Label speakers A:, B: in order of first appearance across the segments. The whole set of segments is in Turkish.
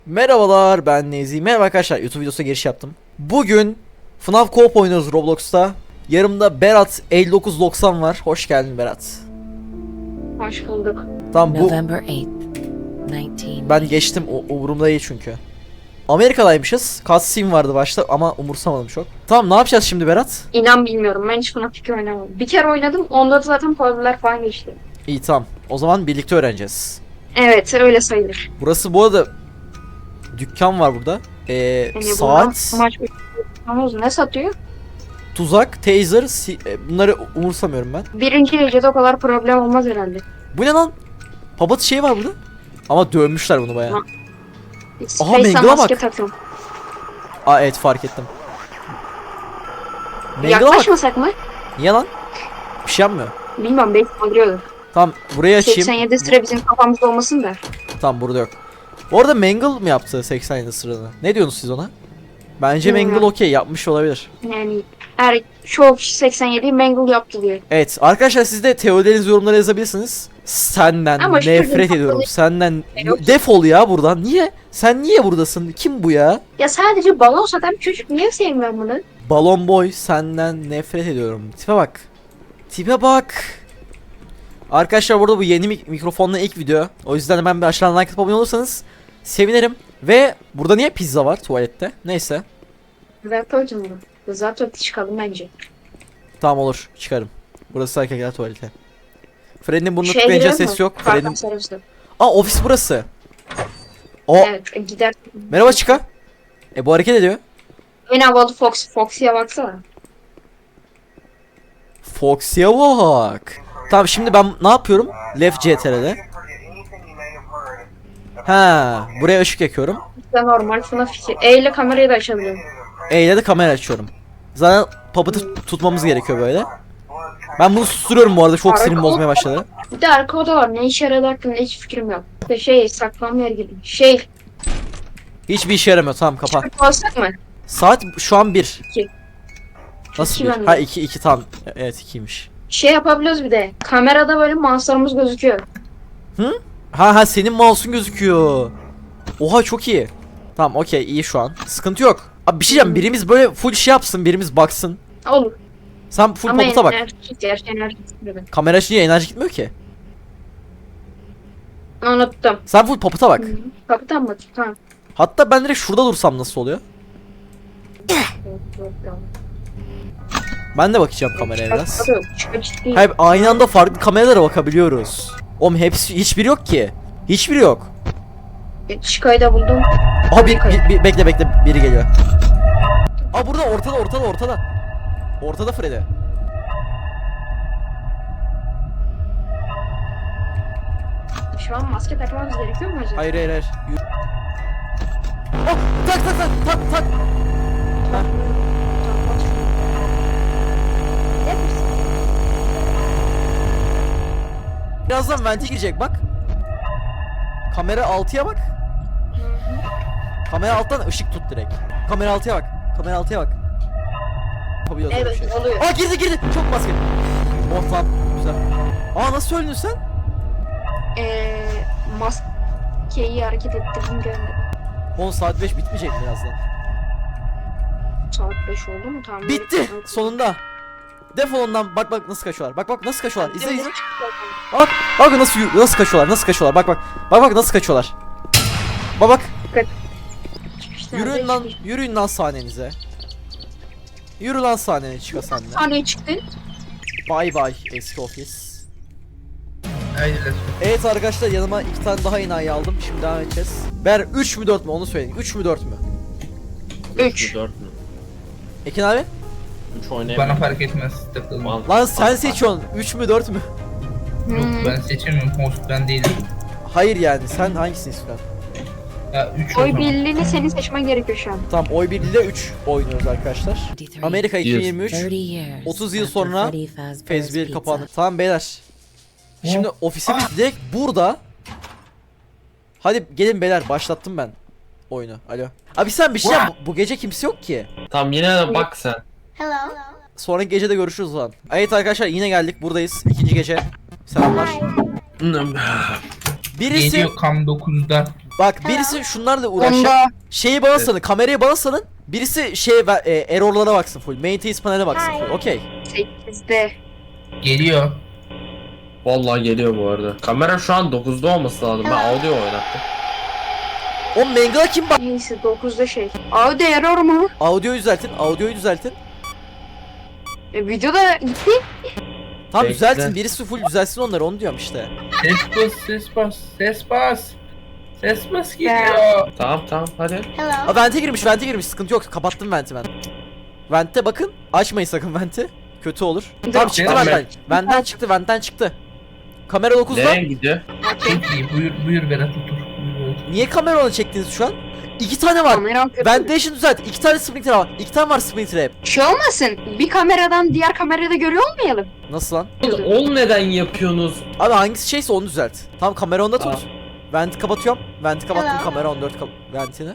A: Merhabalar, ben Nezi. Merhaba arkadaşlar, YouTube videosuna giriş yaptım. Bugün FNAF Co-op oynuyoruz Roblox'ta. Yanımda Berat 5990 var. Hoş geldin Berat.
B: Hoş bulduk.
A: Tamam, bu
C: November 8th, 19.
A: ben geçtim, umurumda değil çünkü. Amerika'daymışız. Cutscene vardı başta ama umursamadım çok. Tamam, ne yapacağız şimdi Berat?
B: İnan bilmiyorum. Ben hiç FNAF 2 oynamadım. Bir kere oynadım. Onda da zaten puzzle'lar falan geçti.
A: İyi, tamam. O zaman birlikte öğreneceğiz.
B: Evet, öyle sayılır.
A: Burası bu arada dükkan var burada.
B: Yani
A: Saat,
B: maç ne satıyor?
A: tuzak, taser, bunları umursamıyorum ben.
B: Birinci gecede o kadar problem olmaz herhalde.
A: Bu ne lan? Papat şey var burada. Ama dövmüşler bunu bayağı.
B: Space'e
A: Mangle'a
B: maske
A: bak.
B: takın.
A: Aa, evet, fark ettim. Mangle'a bak.
B: Yaklaşmasak mı?
A: Niye lan? Bir şey yapmıyor.
B: Bilmem, belki kaldırıyordur.
A: Tamam, burayı açayım.
B: 87 sıra bizim kafamızda olmasın da.
A: Tamam, burada yok. Bu arada Mangle mı yaptı 87 sırada? Ne diyorsunuz siz ona? Bence
B: Bilmiyorum.
A: Mangle okey yapmış olabilir.
B: Yani çoğu kişi 87'yi Mangle yaptı diyor.
A: Evet arkadaşlar, siz de teorilerinizi yorumlara yazabilirsiniz. Senden
B: Ama şu
A: nefret
B: gün
A: ediyorum.
B: kapalı-
A: Senden
B: Yok.
A: defol ya buradan. Niye? Sen niye buradasın? Kim bu ya?
B: Ya sadece balon satan çocuk, niye sevmiyorum bunu?
A: Balon boy, senden nefret ediyorum. Tipe bak. Tipe bak. Arkadaşlar burada bu yeni mikrofonla ilk video. O yüzden hemen bir aşağıdan like atıp abone olursanız sevinirim. Ve burada niye pizza var tuvalette? Neyse.
B: Zaten bunu. Zaten çıkalım bence.
A: Tamam, olur, çıkarım. Burası erkekler tuvaleti. Fred'in burnunu
B: Şeye
A: tıklayınca
B: girelim
A: ses
B: mi?
A: yok.
B: Pardon,
A: Fred'in...
B: serviste.
A: Aa, ofis burası. O,
B: Evet, gider.
A: merhaba Chica. Bu hareket ediyor.
B: En havalı Foxy'ye baksana.
A: Foxy'e bak. Tamam, şimdi ben ne yapıyorum? Left CTRL'de. Ha, buraya ışık yakıyorum.
B: İşte normal FNAF 2. E ile kamerayı da açabiliyorum.
A: E ile de kamera açıyorum. Zaten Puppet'ı tutmamız gerekiyor böyle. Ben bunu susturuyorum bu arada, çok sinirim bozmaya başladı.
B: Bir de arka oda var. Ne işe yaradığı hakkında hiç fikrim yok. İşte saklanma yeri gibi.
A: Hiçbir işe yaramıyor, tamam, kapa.
B: Alsak mı?
A: Saat şu an 1.
B: İki.
A: Nasıl
B: İki
A: 1?
B: bende.
A: Ha, 2 tam. Evet, 2'ymiş.
B: Yapabiliyoruz bir de. Kamerada böyle mouse'larımız gözüküyor.
A: Ha, senin mouse'un gözüküyor. Oha, çok iyi. Tamam, okey, iyi şu an. Sıkıntı yok. Abi bir şey diyeceğim, birimiz böyle full şey yapsın, birimiz baksın.
B: Olur.
A: Sen full
B: Ama
A: Puppet'a bak.
B: enerji gitmedi.
A: Kamera açınca enerji gitmiyor ki.
B: Unuttum.
A: Sen full Puppet'a bak.
B: Kapıdan mı? Tamam.
A: Hatta ben direkt şurada dursam nasıl oluyor? Ben de bakacağım kameraya biraz. Hayır, aynı anda farklı kameralara bakabiliyoruz. Oğlum hepsi, hiçbiri yok ki. Hiçbiri yok.
B: Chico'yu da buldum.
A: Aha, bekle, biri geliyor. Aa, burada, ortada. Ortada Freddy.
B: Şu an maske takmamız gerekiyor mu acaba?
A: Hayır. Yürü. Oh, tak. Ha. Birazdan vente girecek bak. Kamera 6'ya bak. Kamera alttan ışık tut direkt. Kamera 6'ya bak. Yapabiliyoruz öyle bir
B: Evet,
A: şey.
B: oluyor.
A: Aa, girdi. Çok maske. Oh, tamam. Güzel. Aa, nasıl öldün sen?
B: Maskeyi hareket ettirdim gönderdim.
A: 10 saat 5 bitmeyecek mi birazdan?
B: Saat 5 oldu mu? Tamam.
A: Bitti. Sonunda. Defol ondan. Bak nasıl kaçıyorlar. Bak nasıl kaçıyorlar. İzle. Bak nasıl kaçıyorlar. Bak nasıl kaçıyorlar. Bak. Yürüyün lan sahnenize. Yürü lan sahnene, çıka sen de.
B: Sahneye çıktı.
A: Bay eski ofis.
D: Haydi let's go.
A: Evet arkadaşlar, yanıma 2 tane daha enayi aldım. Şimdi devam edeceğiz. Ber 3 mü 4 mü onu söyleyin. 3 mü 4 mü?
B: 3.
E: 4 mü?
A: Ekin abi?
E: 3 oynayamam.
D: Bana fark etmez. Takılma.
A: Lan sen seçiyorsun. 3 mü 4 mü?
D: Yok ben seçemiyorum. Host ben değilim.
A: Hayır, yani sen hangisini istiyorsun?
D: Ya 3
B: Oy birliğini senin seçmen gerekiyor şu an.
A: Tamam, oy birliğiyle 3 oynuyoruz arkadaşlar.
C: 23.
A: Amerika 2023.
C: 30 years
A: 30 yıl
C: after
A: sonra
C: Freddy Fazbear's
A: Phase 1
C: Pizza.
A: kapandı. Tamam beyler. Şimdi ofisimiz direkt burada. Hadi gelin beyler, başlattım ben oyunu. Alo. Abi sen bir şey yap. Bu gece kimse yok ki.
E: Tamam, yine de bak sen.
A: Sonraki gece de görüşürüz o zaman. Evet arkadaşlar, yine geldik, buradayız. İkinci gece. Selamlar. Birisi
D: Geliyor kam 9'da.
A: Bak birisi şunlarla uğraşacak.
B: Onda
A: Şeyi bana salın, kamerayı bana salın. Birisi error'lara baksın full. Maintenance panel'e baksın full. Okey.
B: 8'de.
D: Geliyor.
E: Vallahi geliyor bu arada. Kamera şu an 9'da olması lazım. Ben audio oynattım.
A: O Mangala kim bak?
B: Neyse 9'da şey. Audio error mu?
A: Audioyu düzeltin, audioyu düzeltin.
B: Videoda gitti.
A: Tamam
E: Bekle.
A: düzeltin, birisi full düzelsin onları, onu diyorum işte.
D: Ses bas, ses bas, ses bas. Ses bas geliyor.
E: Tamam hadi.
A: Aa vente girmiş, sıkıntı yok, kapattım venti ben. Vente bakın, açmayın sakın venti. Kötü olur. Tamam çıktı
E: Tamam,
A: ventten. Ventten çıktı. Kamera 9'da.
E: Nereye gidiyor?
D: Çok iyi. Buyur Berat otur. Buyur Berat.
A: Niye kamera ona çektiniz şu an? 2 tane var.
B: Kameram kötü.
A: Ventilation düzelt. 2 tane Springtrap var. 2 tane var Springtrap.
B: Şey olmasın. Bir kameradan diğer kamerada görüyor olmayalım.
A: Nasıl lan?
E: Ol neden yapıyorsunuz?
A: Abi hangisi şeyse onu düzelt. Tamam kamera onda tut.
E: Aa.
A: Venti kapatıyorum. Venti kapattım, kamera 14 ventini.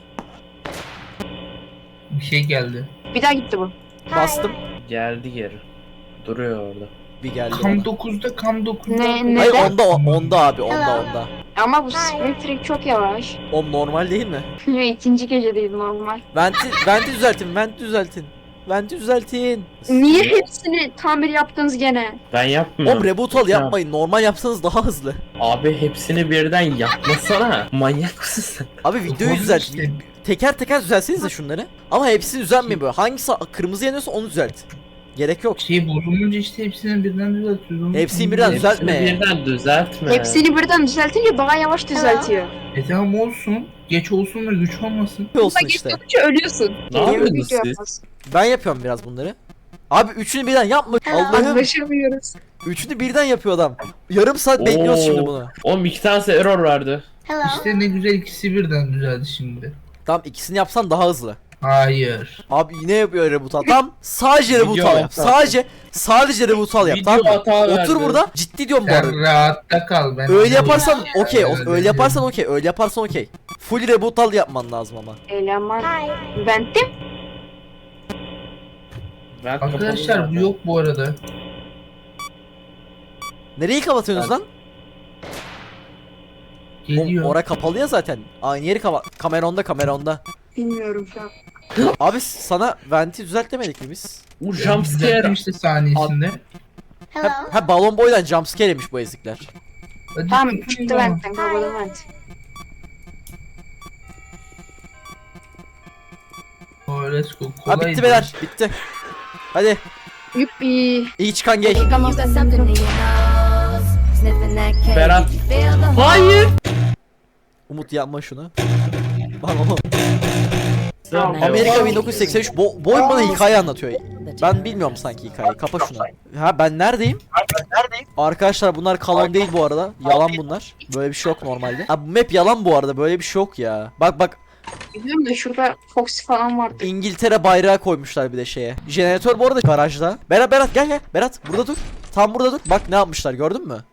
D: Bir şey geldi.
B: Bir daha gitti bu.
A: Bastım.
E: Geldi geri. Duruyor orada.
A: Bir geldi
D: Kam
A: bana.
D: 9'da, kam 9'da.
B: Ne?
A: Hayır
B: Neden?
A: onda abi onda.
B: Ama bu Spectre çok yavaş.
A: O normal değil mi?
B: İkinci gece değil normal.
A: Venti düzeltin.
B: Niye hepsini tamir yaptınız gene?
E: Ben yapmıyorum.
A: Oğlum reboot al yapmayın. Normal yapsanız daha hızlı.
E: Abi hepsini birden yapmasana. Manyak mısın sen?
A: Abi videoyu
D: Tamam
A: düzelt.
D: işte.
A: Teker teker düzelsenize şunları. Ama hepsi düzelmeyin böyle. Hangisi kırmızı yanıyorsa onu düzelt. Gerek yok.
D: Şey bozulunca işte hepsini birden düzeltiyoruz.
A: Hepsini birden
E: Hepsini
A: düzeltme.
E: birden düzeltme.
B: Hepsini birden düzeltince daha yavaş düzeltiyor.
D: Tamam olsun. Geç olsun da güç olmasın.
A: Olsun
B: Ama
A: işte.
B: geçtikçe ölüyorsun.
E: Ne yapıyorsunuz
B: Video
E: siz?
B: yapmaz.
A: Ben yapıyorum biraz bunları. Abi üçünü birden yapma. Allah'ım.
B: Anlaşamıyoruz.
A: Üçünü birden yapıyor adam. Yarım saat bekliyoruz şimdi
E: Oo.
A: bunu.
E: Oğlum 2 tanesi error verdi.
D: İşte ne güzel ikisi birden düzeldi şimdi.
A: Tamam ikisini yapsan daha hızlı.
D: Hayır.
A: Abi yine yapıyor reboot al. Tamam sadece reboot
E: Video
A: al yap.
E: hata.
A: Sadece reboot al yap.
E: Video
A: Tamam mı?
E: hata verdi.
A: Otur burada. Ciddi diyorum bu arada.
D: Sen rahatta kal. Ben
A: Öyle yaparsan
D: anladım.
A: okey.
D: Evet,
A: Öyle yaparsan okey. Öyle yaparsan okey. Full reboot al yapman lazım ama.
B: Eleman. Bentim.
E: Ben
D: Arkadaşlar
E: kapalı
D: bu yok bu arada.
A: Nereyi kapatıyorsunuz lan?
D: Geliyor.
A: Ora kapalı ya zaten. Aynı yeri kamera onda.
B: Bilmiyorum şu an.
A: Abi sana venti düzelt demedik mi biz?
E: Bu
D: Düzelttim
E: jumpscare.
D: işte saniyesinde.
A: Ha balon boydan jumpscare yemiş bu ezikler.
D: Hadi
B: Tamam
D: tutun
B: çıktı
D: ama.
B: bentten kapalı vent.
D: Oh, let's go.
A: Ha
D: Kolay.
A: bitti beyler bitti. Hadi
B: Yuppi.
A: iyi çıkan gay.
B: Tamam.
C: You got something in your nose, sniffing that cake.
E: Berat.
C: You feel the
E: Hayır.
A: Umut yapma şunu. Lan
B: Tamam.
A: Amerika 1983 bu oyun bana hikaye anlatıyor. Ben bilmiyorum sanki hikayeyi. Kapa şunu. Ha ben neredeyim? Arkadaşlar bunlar kalan değil bu arada. Yalan bunlar. Böyle bir şey yok normalde. Ha bu map yalan bu arada. Böyle bir şey yok ya. Bak
B: Biliyorum da şurada Foxy falan vardı.
A: İngiltere bayrağı koymuşlar bir de şeye. Jeneratör bu arada garajda. Berat gel. Berat burada dur. Tam burada dur. Bak ne yapmışlar gördün mü?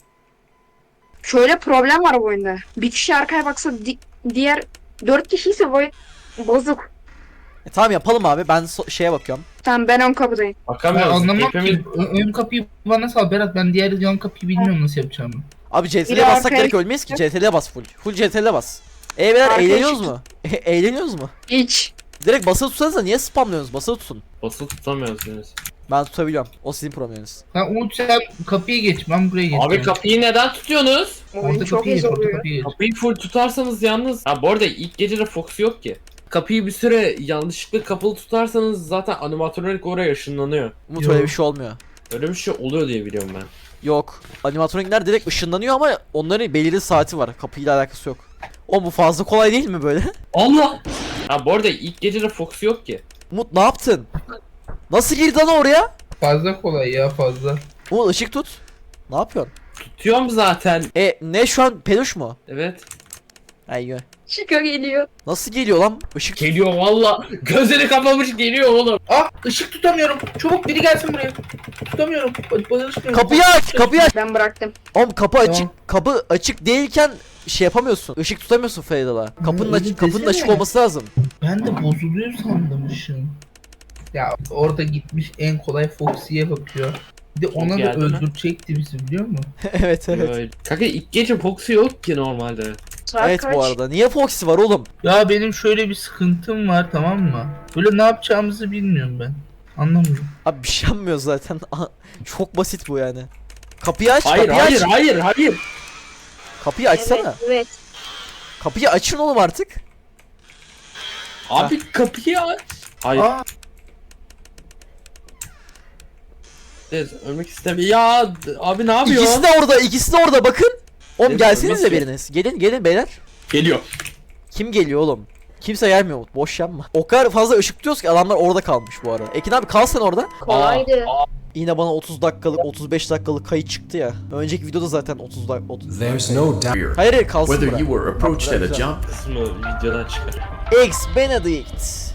B: Şöyle problem var bu oyunda. Bir kişi arkaya baksa diğer 4 kişi ise bu oyun bozuk.
A: Tamam yapalım abi. Ben şeye bakıyorum.
B: Tamam ben ön kapıdayım.
D: Ben
E: Bakamıyoruz.
D: anlamam
E: Hepimiz
D: ki. Ön kapıyı bana sal Berat. Ben diğer yan kapıyı bilmiyorum nasıl yapacağımı.
A: Abi CTRL'e
B: Biri
A: bassak
B: arkaya-
A: direkt ölmeyiz ki. CTRL'e bas full. Full CTRL'e bas. Beyler
B: Arkaya
A: eğleniyoruz mu? Eğleniyoruz mu?
B: Hiç.
A: Direkt basılı tutsanıza niye spamlıyorsunuz? Basılı tutun.
E: basılı tutamıyoruz henüz.
A: Ben tutabiliyorum. O sizin probleminiz.
D: Sen Umut sen kapıyı geç. Ben buraya geçeceğim.
E: Abi kapıyı neden tutuyorsunuz?
B: Oyun
D: Orta
B: çok
D: kapıyı
B: iyi
D: geç. Orta
B: oluyor.
D: kapıyı geç.
E: Kapıyı full tutarsanız yalnız. Ha bu arada ilk gecede Fox yok ki. Kapıyı bir süre yanlışlıkla kapalı tutarsanız zaten animatronik oraya ışınlanıyor.
A: Umut
D: Yok.
A: öyle bir şey olmuyor.
E: Öyle bir şey oluyor diye biliyorum ben.
A: Yok. Animatronikler direkt ışınlanıyor ama onların belirli saati var. Kapıyla alakası yok. O bu fazla kolay değil mi böyle?
E: Allah! Ha bu arada ilk gecede Fox yok ki.
A: Umut ne yaptın? Nasıl girdi lan oraya?
D: Fazla kolay ya fazla.
A: Umut ışık tut. Ne yapıyorsun?
E: Tutuyorum zaten.
A: Ne şu an peluş mu?
E: Evet.
A: Ayyo.
B: Chica geliyor.
A: Nasıl geliyor lan? Işık
E: Geliyor valla. Gözleri kapamış geliyor oğlum.
D: Ah ışık tutamıyorum. Çabuk biri gelsin buraya. Tutamıyorum. Bana ışık yok.
A: Kapıyı aç.
B: Ben bıraktım.
A: Oğlum kapı açık.
D: Tamam.
A: Kapı açık değilken şey yapamıyorsun. Işık tutamıyorsun Farida'la. Kapının
D: öyle
A: açık
D: desene.
A: olması lazım.
D: Ben de bozuluyor sandım ışığın. Ya orada gitmiş en kolay Foxy'ye bakıyor. Bir de ona da
E: Geldi mi?
D: öldürecekti bizi biliyor musun?
A: evet.
E: Kanka ilk gece Fox'u yok ki normalde.
B: Saat
A: Evet
B: kaç?
A: bu arada. Niye Foxy var oğlum?
D: Ya benim şöyle bir sıkıntım var, tamam mı? Böyle ne yapacağımızı bilmiyorum ben. Anlamıyorum.
A: Abi bir şey yapmıyor zaten. Çok basit bu yani. Kapıyı aç,
E: Hayır
A: kapıyı
E: hayır
A: aç.
E: hayır hayır.
A: Kapıyı açsana.
B: Evet.
A: Kapıyı açın oğlum artık.
E: Abi kapıyı aç. Hayır.
D: Aa,
E: Evet, ölmek istemiyor. Ya abi ne yapıyor?
A: İkisi de orada, ikisi de orada bakın. Oğlum
E: Evet,
A: gelsenize
E: ölmesi-
A: biriniz. Gelin, gelin beyler.
E: Geliyor.
A: Kim geliyor oğlum? Kimse gelmiyor. Boş yapma. O kadar fazla ışık tutuyoruz ki adamlar orada kalmış bu arada. Ekin abi kal sen orada.
B: Kolaydı.
A: Yine bana 30 dakikalık, 35 dakikalık kayıt çıktı ya. Önceki videoda zaten 30 dakika.
F: There's no doubt.
A: Hayır hayır kalsın
G: Whether
A: bura.
G: you were approached at a
A: Güzel.
G: jump
E: Kısmı videodan çıkar.
A: Eggs Benedict.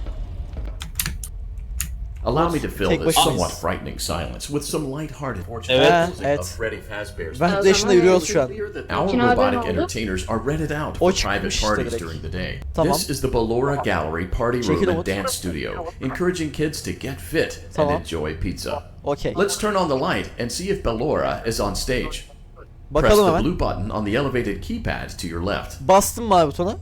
G: allow me to fill
A: Tek
G: this
A: başına.
G: somewhat frightening silence with some lighthearted
E: Evet.
A: Evet.
G: of Freddy Fazbear's.
A: Ben yaşında yürüyoruz şu an.
G: Our
B: Peki abi, ne
G: robotic
B: oldu?
G: entertainers are rented out
A: O
G: for
A: çıkmış
G: private
A: işte
G: parties
A: direkt.
G: during the day.
A: Tamam.
G: This is the Ballora Gallery Party
A: Çekil
G: Room and
A: Umut.
G: Dance Studio, encouraging kids to get fit
A: Tamam.
G: and enjoy pizza.
A: Okey.
G: Let's turn on the light and see if Ballora is on stage. Press
A: Bakalım
G: the
A: hemen.
G: blue button on the elevated keypad to your left.
A: Bastım mavi butona.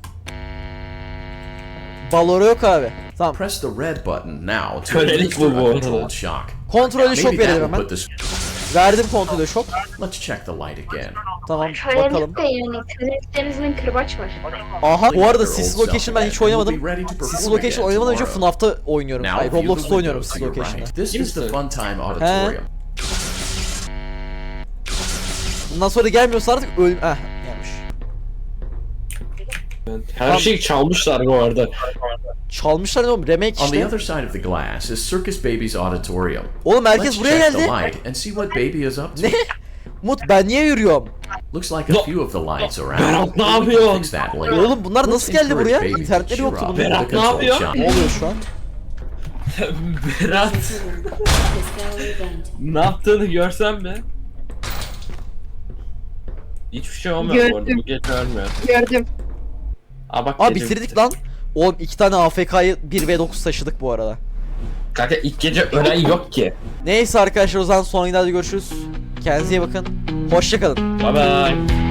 A: Balora yok abi. Tamam.
G: Press the red button now to
E: Kölelik
G: administer
E: bu bu
G: a
E: arada.
G: controlled shock.
A: Kontrolü şok
G: Maybe that
A: verelim
G: will
A: hemen.
G: put the...
A: Verdim kontrolü şok.
G: Let's check the light again.
A: Tamam bakalım.
B: Kölelikte yani köleliklerimizin kırbaç var.
A: Aha bu arada
G: Their
A: Sis's
G: old
A: Location ben
G: self
A: hiç
G: again, and
A: oynamadım.
G: we'll be ready to perform
A: Sis's Location
G: again
A: oynamadan önce
G: tomorrow.
A: FNAF'ta oynuyorum.
G: Now
A: Hayır
G: view the
A: Roblox'ta oynuyorum
G: windows
A: Sis's
G: to your
A: Location'da.
G: right. This is the
E: Kimsin?
G: Fun Time Auditorium.
A: Bundan sonra gelmiyorsa artık öl... gelmiş.
E: Her şeyi çalmışlar bu arada.
A: Çalmışlar ne oğlum? Remake
G: On the
A: işte.
G: other side of the glass is Circus Baby's auditorium.
A: Oğlum herkes
G: Let's
A: buraya
G: check the
A: geldi.
G: light and see what Baby is up to.
A: Ne? Umut ben niye yürüyorum?
G: Looks like a few of the lights around.
E: Berat, ne
G: but we can
E: yapıyorsun?
G: fix that later.
A: Oğlum bunlar
G: Let's
A: nasıl geldi
G: encourage
A: buraya?
G: Baby to
A: İnternetleri
G: cheer
A: yoktu
G: up
A: bunların.
G: with
E: Berat,
G: the
E: ne
G: controlled
E: yapıyor?
G: shot.
A: Ne oluyor şu an?
E: Berat
C: This gallery event.
E: ne yaptığını görsen mi? Hiçbir şey olmuyor bu arada. Bu gece ölmüyor.
B: Gördüm.
E: Aa bak
A: Aa
E: gece
A: bitirdik
E: bitti.
A: lan. Oğlum 2 tane AFK'yı 1v9 taşıdık bu arada.
E: Kanka ilk gece ölen yok ki.
A: Neyse arkadaşlar o zaman son günlerde görüşürüz. Kendinize iyi bakın. Hoşçakalın.
E: Bye bye.